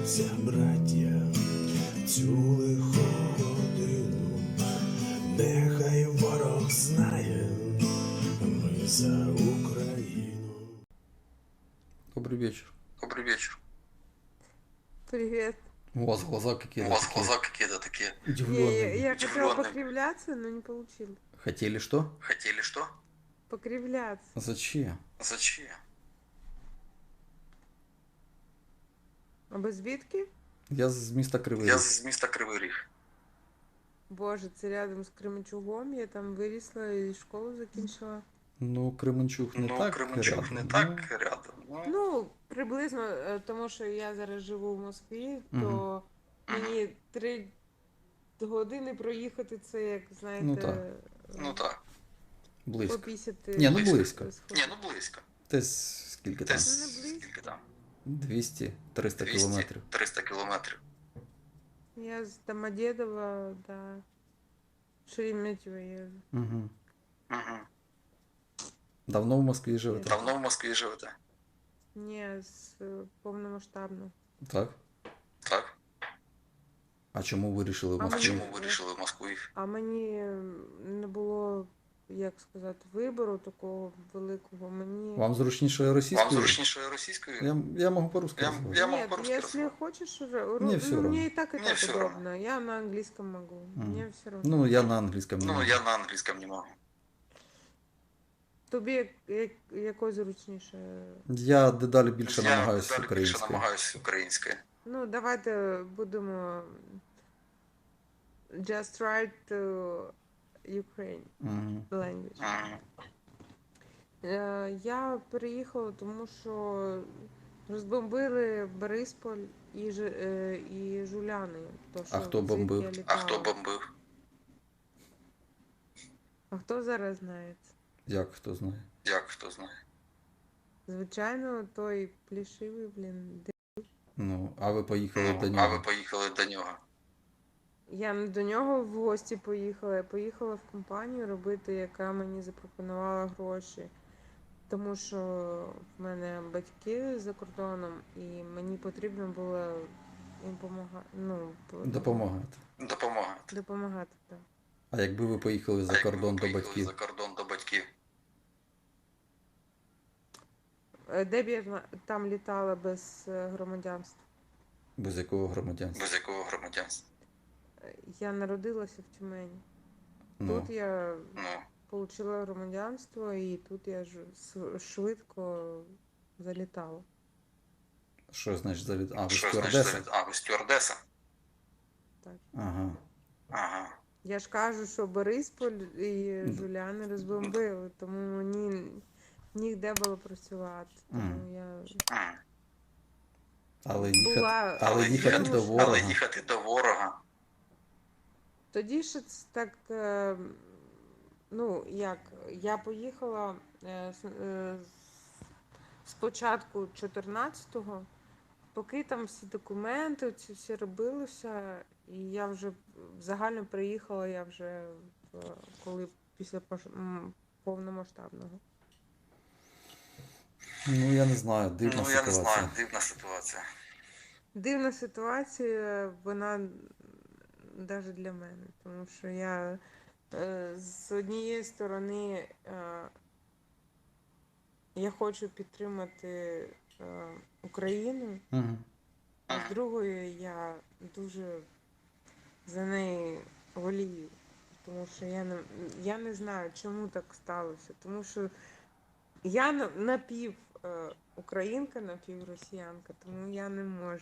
Зійшлися браття в цю лиху годину, нехай ворог знає, ми за Україну. Добрый вечер. Добрый вечер. Привет. У вас глаза какие-то У вас такие глаза какие-то такие удивленные. Я хотела удивлённые. покривляться, но не получилось. Хотели что? Хотели что? Покривляться. Зачем? Зачем? А ви звідки? Я з міста Кривий Я Ріг. з міста Кривий Ріг. Боже, це рядом з Кременчугом. Я там вирісла і школу закінчила. Ну, Кременчуг не так Кременчуг рядом. не ну, так рядом. Ну, приблизно, тому що я зараз живу в Москві, то мені 3 години проїхати це, як, знаєте, Ну, так. Ну так. Близько. попісяти. Ні, ну близько. Ні, ну близько. Десь скільки там? Десь Не близько. скільки там? 200-300 кілометрів. 300 кілометрів. Я з Домодедова до Шереметьєво їжджу. Угу. Угу. Давно в Москві живете? Давно в Москві живете? Ні, з повномасштабно. Так. Так. А чому ви вирішили в А Москві? А чому вирішили в Москву? А мені не було, як сказати, вибору такого великого. Мені... Вам зручніше Вам російською? зручніше російською? Я можу по-русски Я разговаривать. могу Нет, по-русски если разговаривать. хочешь уже, Мне всё равно. мне и так Мне всё равно. удобно. Я на английском могу. Мне все равно. Ну, я на англійському не Ну, можу. я на англійському не можу. Тобі якось зручніше. Я дедалі більше Я намагаюся далі більше українською. намагаюся українською. Ну, давайте будемо just write to Ukraine Мгм. language. Мгм. Я переїхала, тому що розбомбили Борисполь і Жуляни. То, що хто звідки бомбив? я А літала. хто бомбив? А хто зараз знає? Як хто знає? Як хто знає? Звичайно, той плішивий, блін. Ну, а ви поїхали до А нього. ви поїхали до нього? Я не до нього в гості поїхала. Я поїхала в компанію робити, яка мені запропонувала гроші. Тому що в мене батьки за кордоном, і мені потрібно було їм Допомагати. Допомагати. так. А якби ви поїхали за А якби кордон ви до поїхали батьків? За кордон до батьків. Де б я там літала без громадянства? Без якого громадянства? Без якого громадянства? Я народилася в Тюмені. Ну, Тут я Ну, отримала громадянство, і тут я швидко залітала. що значить завід? А, ви що стюардеса? значить? А, ви стюардеса? Так. Ага. Ага. Я ж кажу, що Борисполь і Жуляни розбомбили, тому мені ніде було працювати. Тому я Але була... їхати, але їхати до ворога. Але їхати до ворога. Тоді ще це так, ну, як, я поїхала спочатку 14-го, поки там всі документи, ці всі робилося, і я вже загально приїхала, я вже коли після повномасштабного. Ну, я не знаю, дивна Ну, я не ситуація. знаю, дивна ситуація. Дивна ситуація, вона навіть для мене, тому що я з однієї сторони я хочу підтримати Україну, Угу. а з другої я дуже за неї волію, тому що я не знаю, чому так сталося, тому що я напів українка, напів росіянка, тому я не можу.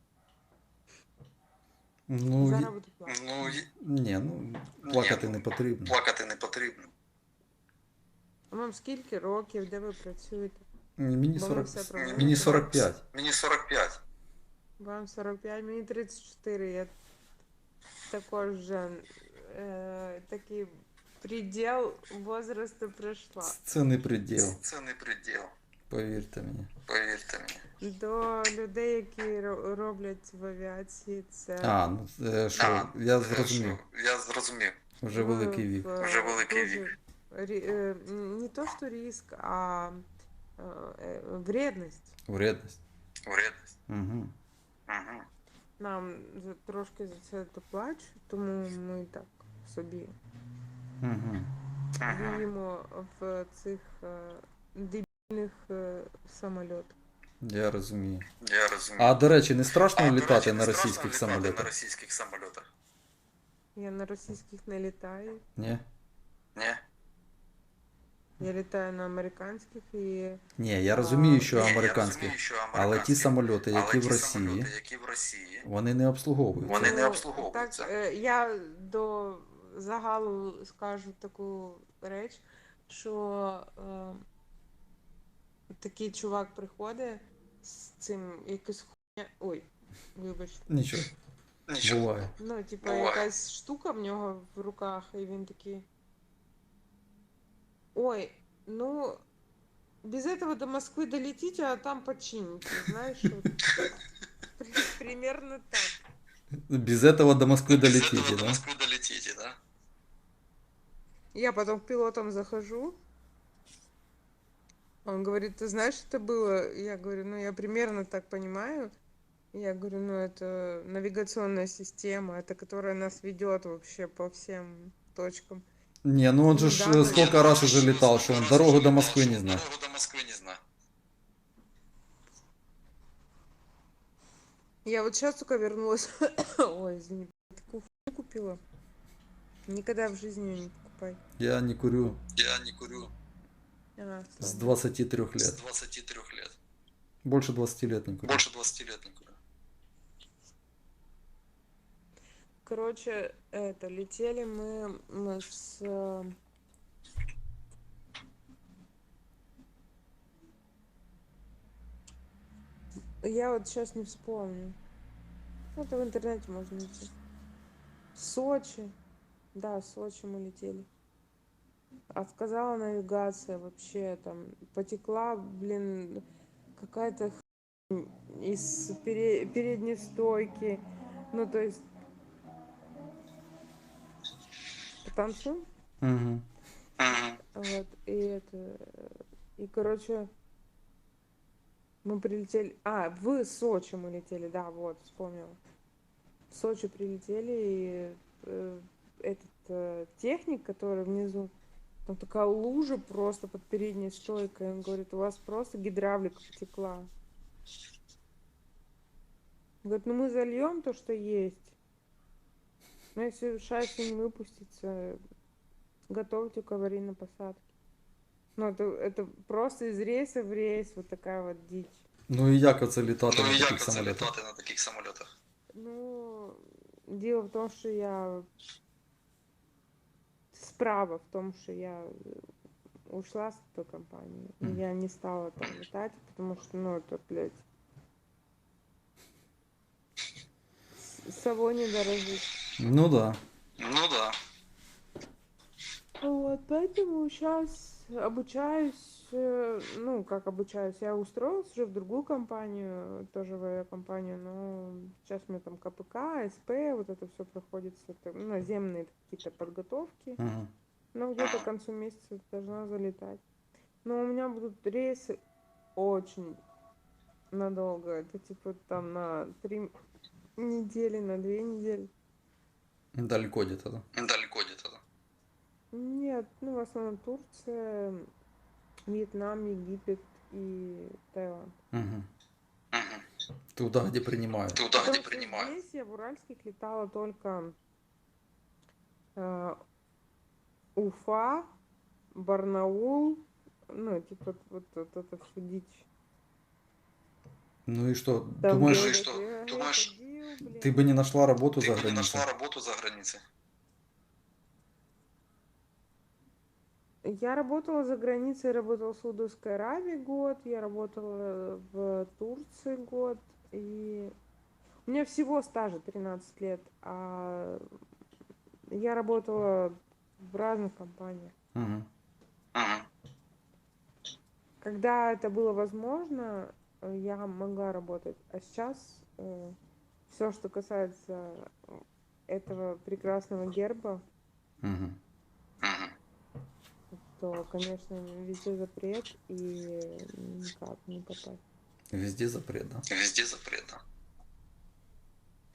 Ну, Зараз буду плакати. Ну, ні, ну, плакати Ні, не потрібно. плакати не потрібно. А вам скільки років, де ви працюєте? Мені Бо ми 40, все програмуємо. мені 45. Мені 45. Вам 45, мені 34. Я також вже такий предел возрасту пройшла. Це не приділ, Це не приділ. повірте мені. Повірте мені. До людей, які роблять в авіації, це А, ну, що, я зрозумів. Я зрозумів. Вже великий вік. Вже великий дуже вік. Не то, що риск, а вредність. Вредність. Вредність. Угу. Угу. нам трошки за це доплачуть, тому ми так собі Угу. віємо в цих дебільних самольотах. Я розумію. Я розумію. А до речі, не страшно А, до літати речі, на не страшно російських літати на самолітах? російських самолітах? Я на російських не літаю. Ні? Ні? Я літаю на американських і Ні, я розумію, що Ні, я американських. розумію, що Але американські. ті самольоти, які Але в ті Росії, самоліти, які в Росії, вони не обслуговуються. Вони не Ну, обслуговуються. Так, я до загалу скажу таку реч, що такий чувак приходить з цим якось хуйня. Ой, вибачте. Нічого, Нічого. буває. Ну, типа, Буває. якась штука в нього в руках, і він такий. Ой, ну, без этого до Москвы долетите, а там почините, знаешь, вот. Примерно так. Без этого до Москвы Без долетите, этого до да? Москвы долетите, да? Я потом к пилотам захожу. Он говорит, ты знаешь, что это было? Я говорю, ну, я примерно так понимаю. Я говорю, ну, это навигационная система, это которая нас ведет вообще по всем точкам. Не, ну он же ж, Ну да, ну, сколько раз уже летал, что он дорогу до Москвы не знает. Дорогу до Москвы не знаю. Я вот сейчас только вернулась. Ой, извини, такую хуйню купила. Никогда в жизни ее не покупай. Я не курю Я не курю с Ладно. 23 с лет. 23 лет. Больше 20 лет не курю. Больше 20 лет не курю. Короче, это, летели мы с... Я вот сейчас не вспомню. Это в интернете можно найти. Сочи. Да, Сочи мы летели. Отказала навигация вообще, там потекла, блин, какая-то хрень из передней стойки. Ну, то есть... Потанцуем? Угу. Вот, и, короче, мы прилетели, в Сочи мы летели, да, вот, вспомнила. В Сочи прилетели, и этот техник, который внизу, там такая лужа просто под передней стойкой, он говорит, у вас просто гидравлика потекла. Он говорит, ну мы зальем то, что есть. Но если шасси не выпустится, готовьте к аварийной посадке. Ну, это просто из рейса в рейс, вот такая вот дичь. Ну і як оце літати Ну на і як таких це самолітах? літати на таких самолітах? Ну, дело в том, что я... Справа в том, что я ушла с той компании. И Мгм. я не стала там летать, потому что, ну, это, блядь... Совой не дорожит. Ну да. Ну да. Вот, поэтому сейчас обучаюсь, ну, как обучаюсь, я устроилась уже в другую компанию, тоже в авиакомпанию, но сейчас у меня там КПК, СП, вот это все проходит, это, наземные какие-то подготовки, Угу. но где-то к концу месяца должна залетать. Но у меня будут рейсы очень надолго, это типа там на 3 недели, на 2 недели. Далеко где-то, да? Далеко где-то, да? Нет, ну в основном Турция, Вьетнам, Египет и Таиланд. Угу. Угу. Туда, где принимают. Туда, Потому где что принимают. здесь я в уральских летала только Уфа, Барнаул, ну, типа вот это все дичь. Ну и что, Там думаешь, Ну и говорят, что, я думаешь, ходил, блин. ты бы не нашла работу Ты за бы не границей? нашла работу за границей? Я работала за границей, работала в Саудовской Аравии год, я работала в Турции год, и у меня всего стажа 13 лет, а я работала в разных компаниях. Угу. Угу. Когда это было возможно, я могла работать. А сейчас все, что касается этого прекрасного герба, Угу. Угу. то, конечно, везде запрет и никак не попасть. Везде запрет, да? Везде запрет, да?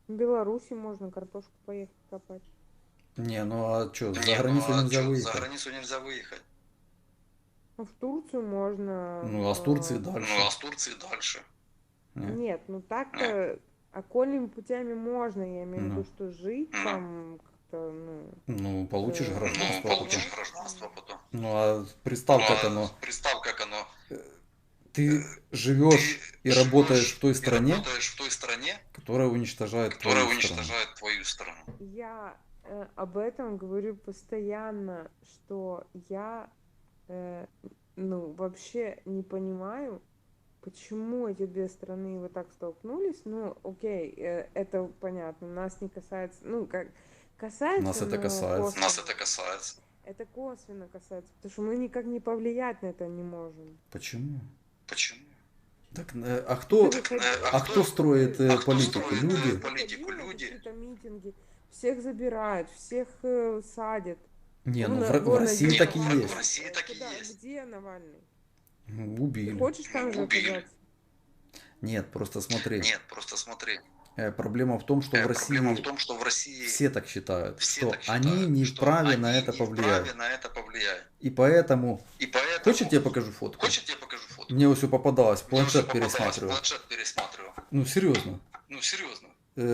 В Беларуси можно картошку поехать копать. Не, ну а что, за Не, ну границу а нельзя чё, за выехать? границу нельзя выехать. А в Турцию можно. Ну, а с Турции Ну, дальше. а с Турции дальше. Не. Нет, ну так-то окольными путями можно, я имею в виду, Ну. что жить Ну. там как-то, Ну, получишь Ну, Ну, гражданство потом. получишь гражданство потом. Ну, а Ну, представь, как а оно. представь, как оно. Ты живешь и работаешь в той и стране, работаешь в той стране, которая уничтожает которая твою страну. уничтожает твою страну. Я об этом говорю постоянно, что я ну вообще не понимаю, почему эти две страны вот так столкнулись. Ну, окей, это понятно, нас не касается, ну как касается, Нас это но касается. косвенно. Нас это касается. Это косвенно касается, потому что мы никак не повлиять на это не можем. Почему? Почему? Так, а кто, Ты выходи- а кто строит а кто политику? строит, Люди? политику? Выходи на Люди. какие-то митинги, всех забирают, всех садят. Не, ну Вон, в вон России один так и Навальный. есть. В России так и Куда? есть. Где Навальный? Ну, Ты убили. хочешь там же Убили. оказаться? Нет, просто смотри. Нет, просто смотри. Проблема в том, что в Проблема в России том, что в России все так считают, все что так считают, они не что вправе они на это не повлиять. вправе на это повлиять. И поэтому... И поэтому... Хочешь, я тебе покажу фотку? Хочешь, я тебе покажу фото? Мне все попадалось, Мне уже планшет попадалось, пересматриваю. Планшет пересматриваю. Ну, серьезно. Ну, серьезно.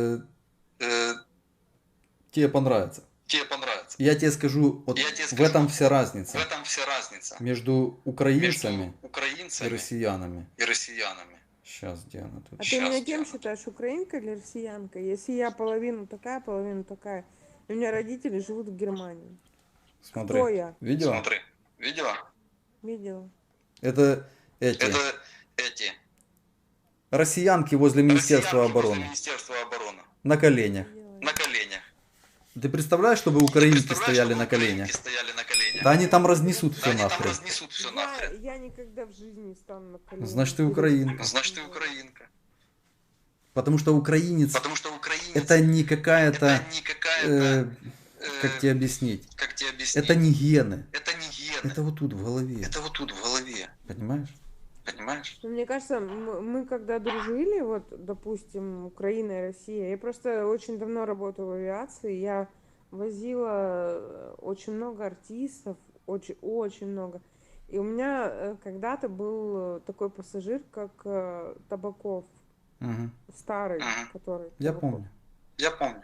Тебе понравится. Тебе понравится. Я тебе скажу, вот Я тебе в скажу, этом вся разница В этом вся разница между украинцами между и украинцами россиянами. и россиянами. Сейчас, где она тут? А ты Щас, меня кем Диана. считаешь, украинка или россиянка? Если я половину такая, и у меня родители живут в Германии. Смотри. Кто я? Видела? Смотри, видела? Видела? Это эти Это эти россиянки возле Министерства россиянки возле обороны. Министерства обороны. На коленях. Видела. На коленях. Ты представляешь, чтобы украинки Представляешь, стояли чтобы на коленях? украинки стояли на коленях. Да они там разнесут Да все они там нахрен. разнесут все нахрен. Я никогда в жизни не стану на колени. Значит, ты украинка. Значит, ты украинка. Потому что украинец Потому что украинец это не какая-то, это не какая-то, как тебе объяснить, как тебе объяснить? это не гены. Это не гены. Это вот тут в голове. Это вот тут в голове. Понимаешь? Понимаешь? Ну, мне кажется, мы когда дружили, вот, допустим, Украина и Россия, я просто очень давно работала в авиации, я возила очень много артистов, очень много. И у меня когда-то был такой пассажир, как Табаков, Мгм. старый, Мгм. который. Я Табаков. помню. Я помню.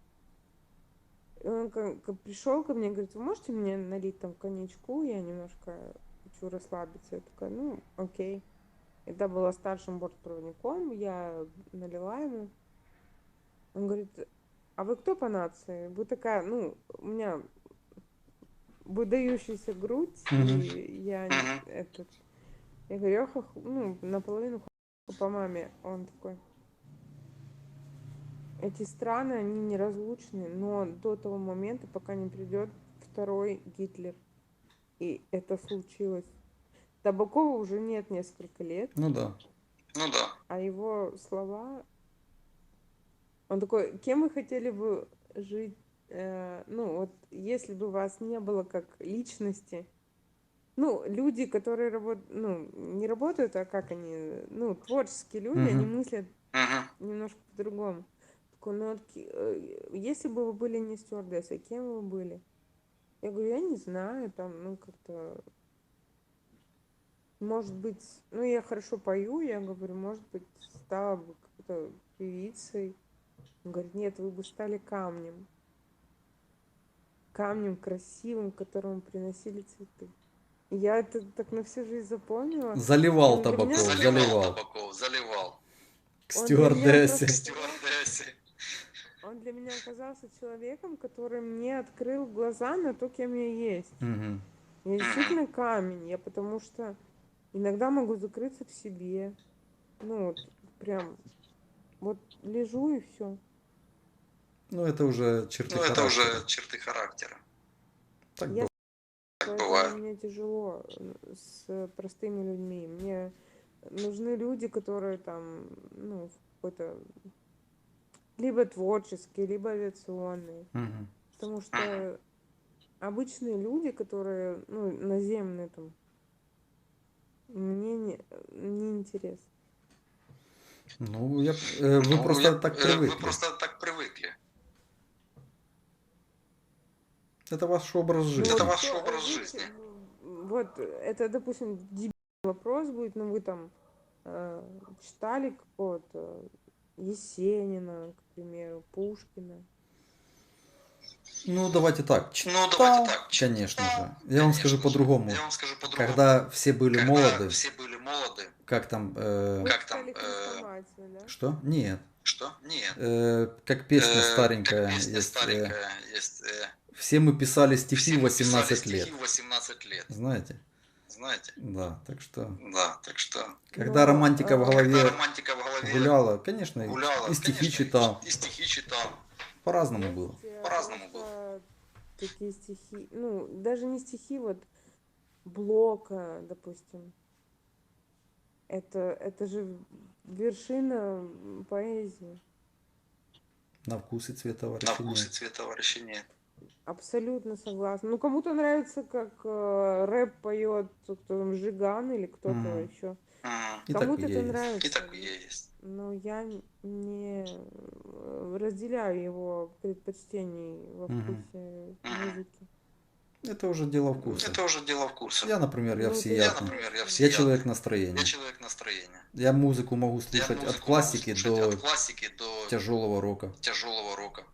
И он пришел ко мне, говорит, вы можете мне налить там коньячку, я немножко хочу расслабиться. Я такая, ну, окей. Это была старшим бортпроводником, я налила ему. Он говорит, а вы кто по нации? Вы такая, ну, у меня выдающаяся грудь, Мгм. и я Мгм. этот... Я говорю, я ну, наполовину по маме. Он такой, эти страны, они неразлучны, но до того момента, пока не придет второй Гитлер. И это случилось. Табакова уже нет несколько лет, Ну да. Ну да. а его слова... Он такой, кем вы хотели бы жить? Ну, вот если бы вас не было как личности, ну, люди, которые работают, ну, не работают, а как они, ну, творческие люди, они Мгм. мыслят Мгм. немножко по-другому. Такой, ну, вот, если бы вы были не стюардессой, кем вы были? Я говорю, я не знаю, там, ну, как-то, может быть, ну, я хорошо пою, я говорю, может быть, стала бы какой-то певицей. Он говорит, нет, вы бы стали камнем. Камнем красивым, к которому приносили цветы. И я это так на всю жизнь запомнила. Заливал Он для меня- Табаков, Заливал заливал. Табаков, заливал. К Он для меня стюардессе. просто- Стюардессе. Он для меня оказался человеком, который мне открыл глаза на то, кем я есть. Мгм. Я действительно камень, я потому что иногда могу закрыться в себе. Ну, вот прям, вот лежу и все. Ну это уже черты Ну, это уже характера. черты характера. Так Я- бывает. Так Поэтому бывает. мне тяжело с простыми людьми. Мне нужны люди, которые там, ну, какой-то либо творческие, либо авиационные. Мгм. Потому что обычные люди, которые, ну, наземные там, мне не интересно. Ну, вы просто так Вы привыкли. просто так привыкли. Это ваш образ жизни. Это вот ваш кто, образ видите, жизни. вот это, допустим, дебильный вопрос будет, но вы там читали какого-то Есенина, к примеру, Пушкина. Ну, давайте так. Ну, давайте Читал, так. конечно Читал, же. Я вам скажу конечно же. по-другому. Я вам скажу по-другому. Когда все были Когда молоды, все были молоды, как там... Вы Как читали там, Хрестоматию, да? Что? Нет. что? Нет. Как песня Как старенькая песня есть. старенькая есть. Все мы писали Все стихи мы 18 писали лет. стихи в 18 лет. Знаете? Знаете? Да, так что... Да, так что... Когда Но, романтика в Когда голове романтика в голове гуляла, конечно, гуляла, и стихи конечно, читал. и стихи читал. По-разному было. есть По-разному просто такие стихи, ну, даже не стихи, вот Блока, допустим. Это же вершина поэзии. На вкус и цвет На товарища вкус и нет. цвет товарища нет. Абсолютно согласна. Ну, кому-то нравится, как рэп поет кто там, Жиган или кто-то Мгм. еще. И так Кому-то и это есть. нравится. И такое есть. Но я не разделяю его предпочтений во Мгм. вкусе музыки. Это уже дело вкуса. Это уже дело вкуса. Я, например, я Ну, это Я, всеядный. например, я Я всеядный. человек настроения. Я человек настроения. Я музыку могу Я слушать от музыку классики могу слушать до от классики до тяжелого рока. тяжелого рока.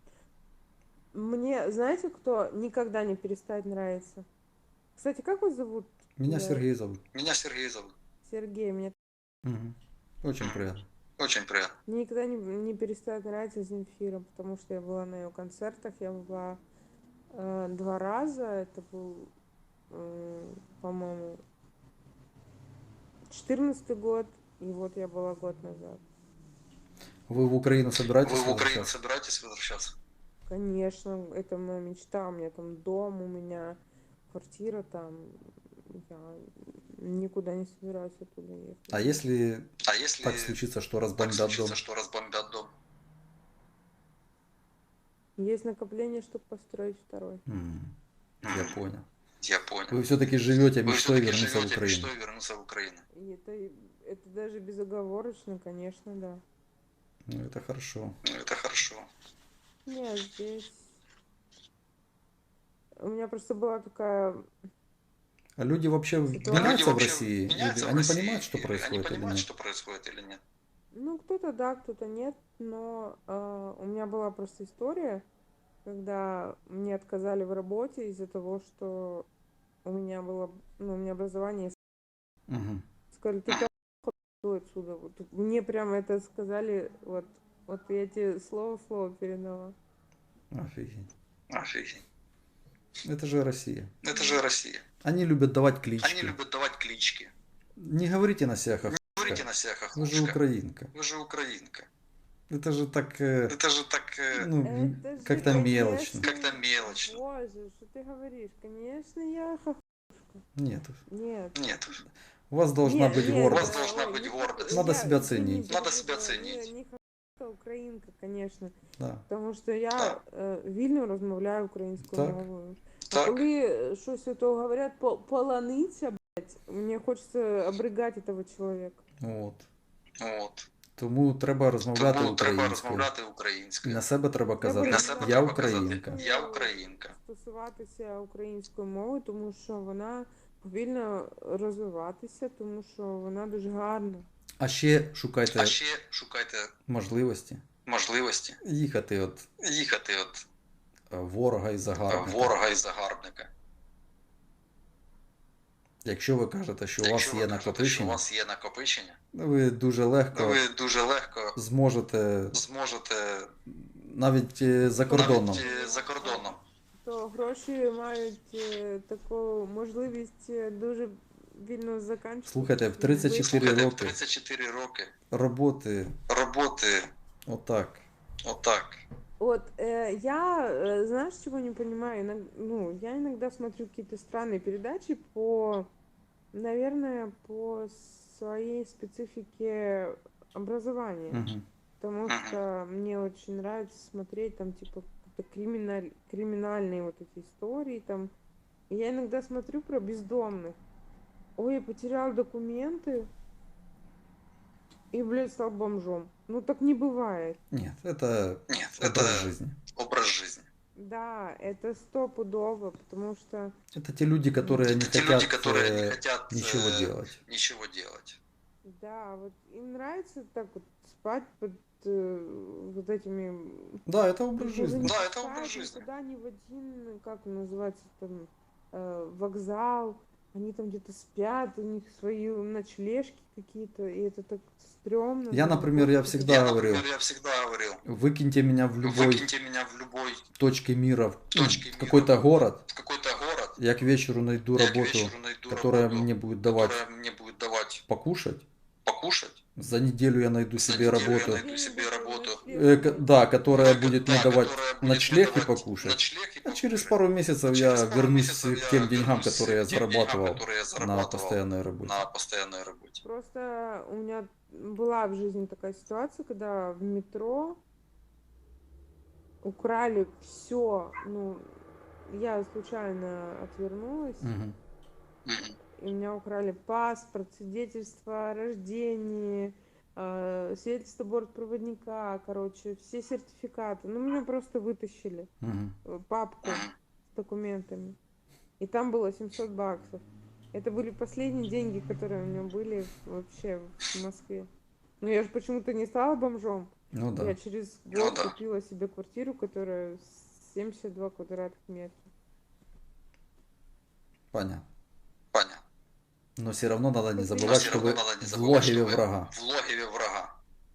Мне, знаете, кто никогда не перестает нравиться? Кстати, как вас зовут? Меня Я- Сергей зовут. Меня Сергей зовут. Сергей. Мне Мгм. Очень приятно. Очень приятно. никогда не перестает нравиться Земфира, потому что я была на ее концертах. Я была 2 раза. Это был, по-моему, 14-й год. И вот я была год назад. Вы в Украину собираетесь Вы в Украину возвращаться? собираетесь возвращаться? Конечно, это моя мечта. У меня там дом, у меня квартира там. Я никуда не собираюсь оттуда ехать. А если А если так случится, что так разбомбят случится, дом? что разбомбят дом? Есть накопление, чтобы построить второй. Я понял. Я понял. Вы все-таки живете Вы мечтой все-таки вернуться в живете Украину. мечтой вернуться в Украину. И это даже безоговорочно, конечно, да. Ну, это хорошо. Ну, это хорошо. Нет, здесь... У меня просто была такая... А люди вообще Ситуация. меняются Люди в вообще России? меняются Или в они России, понимают, что или происходит Они или понимают, нет? что происходит или нет? Ну, кто-то да, кто-то нет, но у меня была просто история, когда мне отказали в работе из-за того, что у меня было, ну, у меня образование. Мгм. Сказали, ты пошёл отсюда. Вот мне прямо это сказали, вот я тебе слово в слово передала. Офигеть. Офигеть. Это же Россия. Это же Россия. Они любят давать Они клички. любят давать клички. Не говорите на себя Говорите хохлушка. на себя Вы же хохлушка. украинка. Вы же украинка. Это же так, Это же так ну, Это же, как-то конечно, мелочно. как-то мелочно. Боже, что ты говоришь? Конечно, я Нет. Нет. Нет. У вас должна Нет, быть нет, У вас гордость. должна ой, быть не гордость. Надо себя извини, ценить. Надо себя не- ценить. Не хохлушка, українка, конечно. Да. Тому що я Так. вільно розмовляю українською Так. мовою. А Так. коли щось ото говорять полониця, блядь, мені хочеться обригати того чоловіка. От. От. Тому треба розмовляти Тому треба українською. розмовляти українською. На себе треба казати, На себе я треба українка. казати, я українка. Стосуватися української мови, тому що вона повільно розвиватися, тому що вона дуже гарна. А ще шукайте А ще шукайте можливості можливості їхати від їхати від ворога і загарбника. ворога і загарбника. Якщо ви кажете, що у вас Якщо ви є кажете, що у накопичення, вас є накопичення, ви дуже легко ви дуже легко зможете зможете навіть за кордоном. навіть за кордоном. То гроші мають таку можливість дуже вільно закінчити. Слухайте, в 34 Слухайте, в роки 34 роки роботи роботи отак. отак. Вот я, знаешь, чего не понимаю? Ну, я иногда смотрю какие-то странные передачи наверное, по своей специфике образования. Угу. Потому что мне очень нравится смотреть там, типа, какие-то криминальные вот эти истории там. И я иногда смотрю про бездомных. Ой, я потерял документы и, блядь, стал бомжом. Ну, так не бывает. Ні, це Ні, образ це жизни. образ життя. Да, это стопудово, потому что Это те люди, которые не Это те люди, хотят которые не хотят ничего делать. ничего делать. да, вот им нравится так вот спать под вот этими Да, это образ причем жизни. не Да, это пускают образ жизни. никуда ни в один, как он называется там, вокзал. Они там где-то спят, у них свои ночлежки какие-то, и это так стрёмно. Я, думаю, например, я господи. всегда говорил, Я всегда говорил, выкиньте меня в любой выкиньте меня в любой точке мира, точке в мира, какой-то город, в какой-то город, я к вечеру найду я к работу, вечеру найду которая работу, мне будет давать которая мне будет давать покушать. покушать. За неделю я найду За себе неделю работу, я найду себе работу, да, которая будет мне давать которая будет мне ночлег и давать покушать. ночлег и А через покушать. пару месяцев Через я пару вернусь месяцев к я тем деньгам, вернусь которые я к тем деньгам, зарабатывал которые я на зарабатывал постоянной работе. на постоянной работе. Просто у меня была в жизни такая ситуация, когда в метро украли все. Ну, я случайно отвернулась, Мгм. Мгм. и у меня украли паспорт, свидетельство о рождении, свидетельство бортпроводника, короче, все сертификаты. Ну, меня просто вытащили Мгм. папку Мгм. с документами. И там было 700 баксов. Это были последние деньги, которые у меня были вообще в Москве. Но я же почему-то не стала бомжом. Ну да. Я через Ну год да. купила себе квартиру, которая 72 квадратных метра. Понятно. Понятно. Но все равно надо не Но забывать, Но все что равно вы надо не в забывать, что логове вы врага. в логове врага.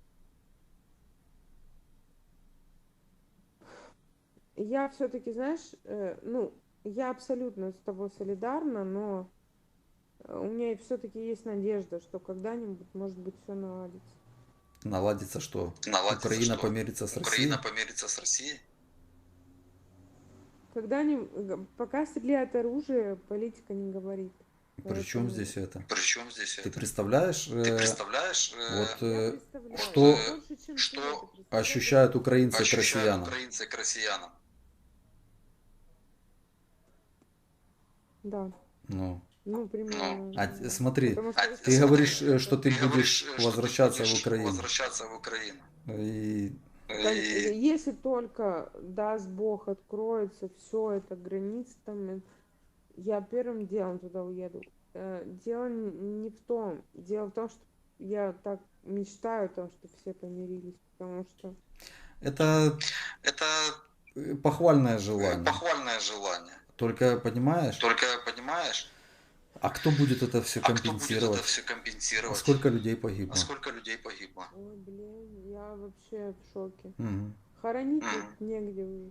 Я все-таки, знаешь, ну, я абсолютно с тобой солидарна, но у меня все-таки есть надежда, что когда-нибудь, может быть, все наладится. Наладится, что Наладится, Украина что помирится с Украина Россией. помирится с Россией. Когда-нибудь, пока стреляет оружие, политика не говорит. Причем Поэтому здесь это? Причем здесь Ты это? представляешь, Ты представляешь, вот я представляю, что больше, чем ты что это представляешь. ощущают украинцы к ощущают россиянам? украинцы к россиянам? Да, Ну, ну, примерно. смотри, Потому что если ты бы говоришь, это- что ты Ты говоришь, будешь что ты возвращаться в будешь Украину. возвращаться в Украину. И И Если только, даст Бог, откроется все это границы, там, я первым делом туда уеду. Дело не в том. Дело в том, что я так мечтаю о том, чтобы все помирились, потому что это это похвальное желание. похвальное желание. Только понимаешь, Только понимаешь, а кто будет это все а кто будет это компенсировать? все компенсировать? Сколько людей А погибло? сколько людей погибло? ой, блин, я вообще в шоке. Мгм. Хоронить Мгм. ведь негде уже.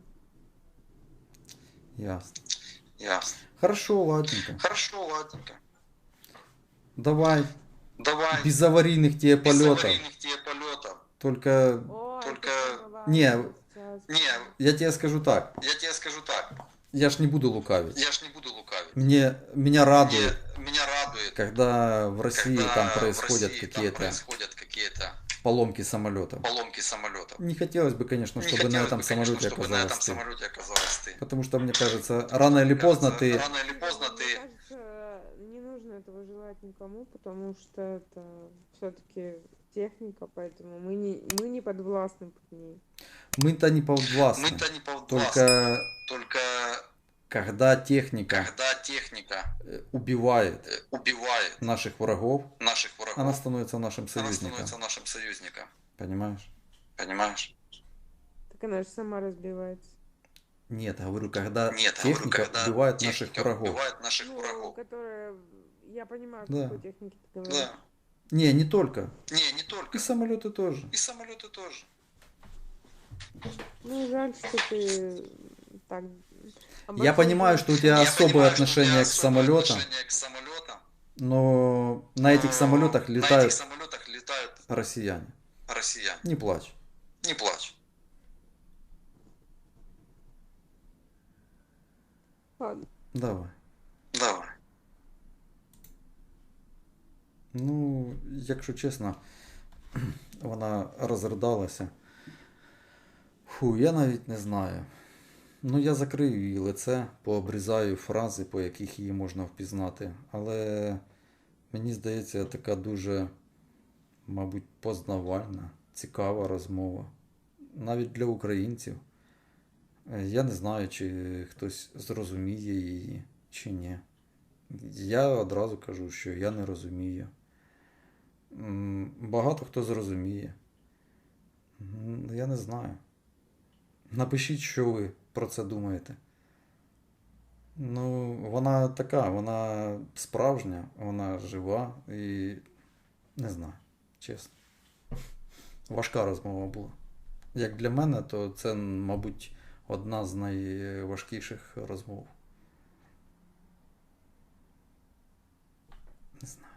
Ясно. Ясно. Хорошо, ладненько. Хорошо, ладненько. Давай, Давай без аварийных тебе без полетов. аварийных тебе полетов. Только, Ой, Только- это самое важное Не, сейчас. Не, я тебе скажу так, я тебе скажу так. я ж не буду лукавить. Я ж не буду лукавить. Меня радует, Меня радует, когда в России когда там в происходят России там какие-то происходят какие-то поломки самолетов. поломки самолетов. Не хотелось бы, конечно, Не чтобы на хотелось этом бы, конечно, самолете чтобы на этом оказалась ты. самолете оказалась ты. Потому что, мне кажется, рано или поздно Кажется, ты... рано или поздно Мне ты кажется, не нужно этого желать никому, потому что это все-таки техника, поэтому мы не подвластны под ней. Мы-то не подвластны. мы-то не подвластны. Только Только когда техника когда техника убивает убивает наших врагов, наших врагов, она становится нашим она союзником. становится нашим союзником. Понимаешь? Понимаешь? Так она же сама разбивается. Нет, я говорю, когда Нет, я говорю, техника когда убивает наших техника врагов. убивает наших Ну, врагов. которая... Я понимаю, о Да. какой технике ты говоришь. Да. Не, не только. Не И только. самолеты тоже. И самолеты тоже. Ну, жаль, что ты так... Я понимаю, что у тебя Я особое понимаю, что у тебя отношение к особое самолетам, отношение к самолетам, но на этих но самолетах на летают этих самолетах летают россияне. россияне. Не плачь. Не плачь. Ладно. Давай. Давай. Ну, якщо чесно, вона розридалася. Фу, я навіть не знаю. Ну, я закрию її лице, пообрізаю фрази, по яких її можна впізнати. Але мені здається, така дуже, мабуть, познавальна, цікава розмова. Навіть для українців. Я не знаю, чи хтось зрозуміє її, чи ні. Я одразу кажу, що я не розумію. Багато хто зрозуміє. Я не знаю. Напишіть, що ви про це думаєте. Ну, вона така, вона справжня, вона жива і не знаю, чесно. Важка розмова була. Як для мене, то це, мабуть, одна з найважкіших розмов. Не знаю.